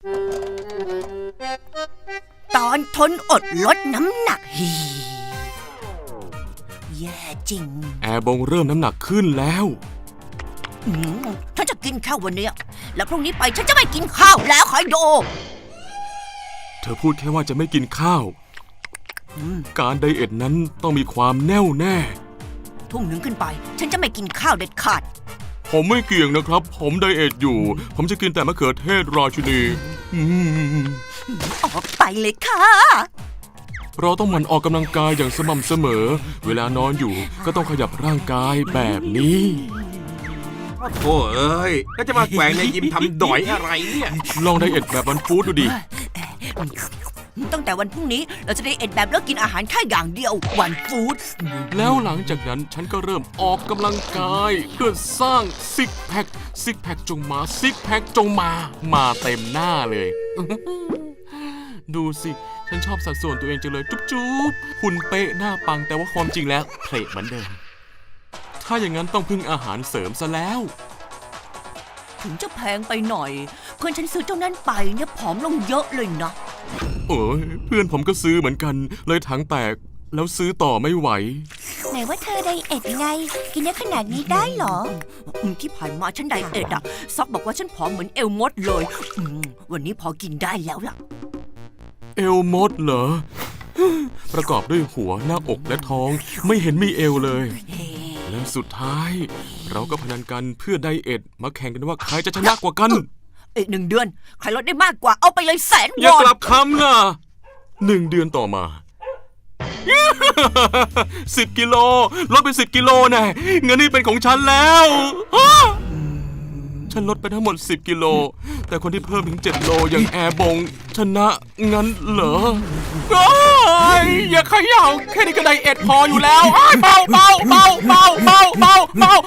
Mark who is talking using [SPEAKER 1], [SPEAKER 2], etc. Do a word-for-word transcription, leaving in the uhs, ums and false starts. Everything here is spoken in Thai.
[SPEAKER 1] ตอนทนอดลดน้ำหนักฮีแย่จริง
[SPEAKER 2] แอร์บงเริ่มน้ำหนักขึ้นแล้ว
[SPEAKER 1] อืมฉันจะกินข้าววันนี้แล้วพรุ่งนี้ไปฉันจะไม่กินข้าวแล้วคอยดู
[SPEAKER 2] เธอพูดแค่ว่าจะไม่กินข้าวการไดเอทนั้นต้องมีความแน่วแน่
[SPEAKER 1] ทุ่งหนึ่งขึ้นไปฉันจะไม่กินข้าวเด็ดขาด
[SPEAKER 2] ผมไม่เกี่ยงนะครับผมไดเอทอยู่ผมจะกินแต่มะเขือเทศราชินี
[SPEAKER 1] ออกไปเลยค่ะ
[SPEAKER 2] เราต้องหมั่นออกกำลังกายอย่างสม่ำเสมอเวลานอนอยู่ก็ต้องขยับร่างกายแบบนี้
[SPEAKER 3] โอ้เอ้ยแล้วจะมาแกว่งในยิมทำดอยอะไรเนี่ย
[SPEAKER 2] ลองไดเอทแบบวันฟู้ดดูดิ
[SPEAKER 1] ตั้งแต่วันพรุ่งนี้เราจะไดเอทแบบเลิกกินอาหารแค่อย่างเดียววันฟู้ด
[SPEAKER 2] แล้วหลังจากนั้นฉันก็เริ่มออกกำลังกายเพื่อสร้างซิกแพคซิกแพคจงมาซิกแพคจงมามาเต็มหน้าเลยดูสิฉันชอบสัดส่วนตัวเองจังเลยจุ๊บจุ๊บหุ่นเป๊ะหน้าปังแต่ว่าความจริงแล้วเพลทเหมือนเดิมถ้าอย่างนั้นต้องพึ่งอาหารเสริมซะแล้ว
[SPEAKER 1] ถึงจะแพงไปหน่อยเพื่อนฉันซื้อเจ้านั้นไปเนี่ยผอมลงเยอะเลยนะ
[SPEAKER 2] เอ้ยเพื่อนผมก็ซื้อเหมือนกันเลยถังแตกแล้วซื้อต่อไม่ไหว
[SPEAKER 4] ไหนว่าเธอไดเอทไงกินเยอะขนาดนี้ได้เหรอ
[SPEAKER 1] ที่ผ่านมาฉันไดเอทอะซอกบอกว่าฉันผอมเหมือนเอลมดเลยวันนี้พอกินได้แล้วล่ะ
[SPEAKER 2] เอลมดเหรอประกอบด้วยหัวหน้าอกและท้องไม่เห็นมีเอวเลยและสุดท้ายเราก็พนันกันเพื่อไดเอทมาแข่งกันว่าใครจะชนะกว่ากัน
[SPEAKER 1] อีกหนึ่งเดือนใครลดได้มากกว่าเอาไปเลยแสนวอน
[SPEAKER 2] อย่ากลับคำนะหนึ่งเดือนต่อมาสิบกิโลลดไปสิบกิโลแน่เงินนี่เป็นของฉันแล้วฉันลดไปทั้งหมดสิบกิโลแต่คนที่เพิ่มถึงเจ็ดโลอย่างแอร์บงชนะงั้นเหรออย่าเขย่าแค่นี้ก็ไดเอทพออยู่แล้วเบาเบาเบาเบาเบาเบาเบา